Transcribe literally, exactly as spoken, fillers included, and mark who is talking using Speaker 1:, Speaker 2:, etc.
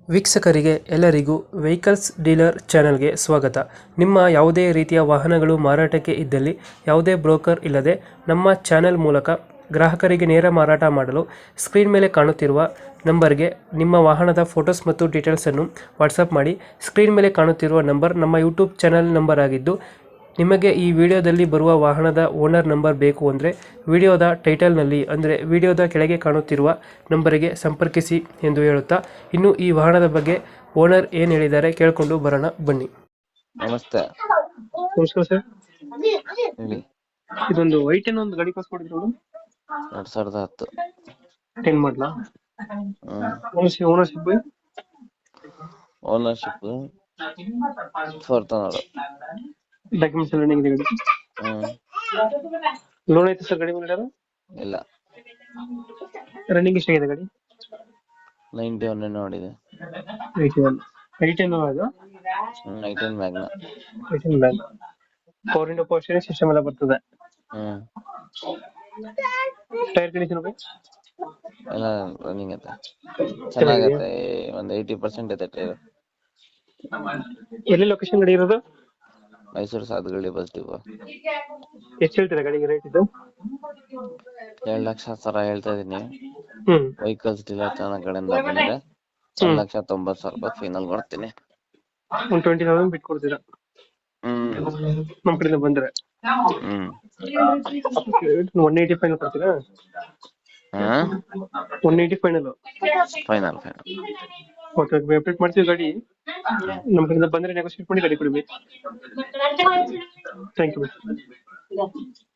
Speaker 1: ವೀಕ್ಷಕರಿಗೆ ಎಲ್ಲರಿಗೂ vehicles dealer ಚಾನೆಲ್ಗೆ ಸ್ವಾಗತ. ನಿಮ್ಮ ಯಾವುದೇ ರೀತಿಯ ವಾಹನಗಳು ಮಾರಾಟಕ್ಕೆ ಇದ್ದಲ್ಲಿ ಯಾವುದೇ ಬ್ರೋಕರ್ ಇಲ್ಲದೆ ನಮ್ಮ ಚಾನೆಲ್ ಮೂಲಕ ಗ್ರಾಹಕರಿಗೆ ನೇರ ಮಾರಾಟ ಮಾಡಲು ಸ್ಕ್ರೀನ್ ಮೇಲೆ ಕಾಣುತ್ತಿರುವ ನಂಬರ್ಗೆ ನಿಮ್ಮ ವಾಹನದ ಫೋಟೋಸ್ ಮತ್ತು ಡೀಟೇಲ್ಸನ್ನು ವಾಟ್ಸಪ್ ಮಾಡಿ. ಸ್ಕ್ರೀನ್ ಮೇಲೆ ಕಾಣುತ್ತಿರುವ ನಂಬರ್ ನಮ್ಮ ಯೂಟ್ಯೂಬ್ ಚಾನೆಲ್ ನಂಬರ್ ಆಗಿದ್ದು, ನಿಮಗೆ ಈ ವಿಡಿಯೋದಲ್ಲಿ ಬರುವ ವಾಹನದ ಓನರ್ ನಂಬರ್ ಬೇಕು ಅಂದರೆ ವಿಡಿಯೋದ ಟೈಟಲ್ನಲ್ಲಿ ಅಂದರೆ ವಿಡಿಯೋದ ಕೆಳಗೆ ಕಾಣುತ್ತಿರುವ ನಂಬರಿಗೆ ಸಂಪರ್ಕಿಸಿ ಎಂದು ಹೇಳುತ್ತಾ, ಇನ್ನು ಈ ವಾಹನದ ಬಗ್ಗೆ ಓನರ್ ಏನು ಹೇಳಿದ್ದಾರೆ ಕೇಳಿಕೊಂಡು ಬರೋಣ ಬನ್ನಿ.
Speaker 2: ನಮಸ್ತೆ.
Speaker 1: ನಮಸ್ಕಾರ ಸರ್.
Speaker 2: ಹೇಳಿ.
Speaker 1: ಇದೊಂದು ವೈ ಟೆನ್ ಒಂದು ಗಾಡಿ ಕಳ್ಸ್ಕೊಡಿದ್ರು.
Speaker 2: ಎರಡ್ ಸಾವಿರದ ಹತ್ತು
Speaker 1: ಟೆನ್ ಮಾಡಲಾ? Ownership
Speaker 2: ownership fourth owner.
Speaker 1: Documents ಎಲ್ಲ ರನ್ನಿಂಗ್ ಇದೆ ಗಾಡಿ?
Speaker 2: ಹ್ಮ್
Speaker 1: ಲೋನ್ ಐತೆ ಸರ್ ಗಾಡಿ ಮೇಲೆ?
Speaker 2: ಇಲ್ಲ.
Speaker 1: ರನ್ನಿಂಗ್ ಎಷ್ಟಾಗಿದೆ ಗಾಡಿ?
Speaker 2: ನೈಂಟಿ ಒನ್ ನೋಡಿದೆ.
Speaker 1: ಏಯ್ಟಿ ಒನ್ ಏಯ್ಟಿ ಒನ್ ಅದು
Speaker 2: ಹ್ಮ್ i ten Magna.
Speaker 1: Eighty one bag four into four steering system ಎಲ್ಲ ಬರ್ತದೆ.
Speaker 2: ಹ್ಮ್
Speaker 1: ಟೈರ್ ಕಂಡೀಷನ್
Speaker 2: ಎಲ್ಲ ರನ್ನಿಂಗ್ ಐತೆ, ಚೆನ್ನಾಗೈತೆ. ಒಂದ್ ಏಯ್ಟಿ ಪರ್ಸೆಂಟ್ ಐತೆ ಟೈರ್.
Speaker 1: ಎಲ್ಲಿ ಲೊಕೇಶನ್ ಗಾಡಿ ಇರೋದು?
Speaker 2: Mysuru Sadhugalli bus depot.
Speaker 1: ಎಷ್ಟು ಹೇಳ್ತೀರಾ ಗಾಡಿಗೆ ರೇಟ್ ಇದು?
Speaker 2: ಎರಡ್ ಲಕ್ಷ ಸಾವಿರ ಹೇಳ್ತಾ ಇದೀನಿ.
Speaker 1: ಹ್ಮ್
Speaker 2: ವೆಹಿಕಲ್ಸ್ ಡೀಲರ್ ಚಾನಲ್ ಕಡೆಯಿಂದ ಬಂದ್ರೆ ಒಂದ್ ಲಕ್ಷ ತೊಂಬತ್ ಸಾವಿರ ರೂಪಾಯಿ ಫೈನಲ್ ಕೊಡ್ತೀನಿ.
Speaker 1: ಒಂದು ಟ್ವೆಂಟಿ ತೌಸಂಡ್ ಬಿಟ್ಟು ಕೊಡ್ತೀರಾ
Speaker 2: ಹ್ಮ್
Speaker 1: ನಮ್ ಕಡೆಯಿಂದ ಬಂದ್ರೆ?
Speaker 2: ಹ್ಮ್
Speaker 1: ಒನ್ ಏಯ್ಟಿ ಫೈನಲ್ ಕೊಡ್ತೀರಾ?
Speaker 2: ಹ್ಮ್
Speaker 1: one eighty final
Speaker 2: final final
Speaker 1: okay. Update ಮಾಡ್ತೀವಿ ಗಾಡಿ. ನಮ್ಮ ಕಡೆಯಿಂದ ಬಂದ್ರೆ ನೆಗೋಶಿಯೇಟ್ ಮಾಡಿ ಗಾಡಿ ಕೊಡ್ಬೇಕು. Thank you.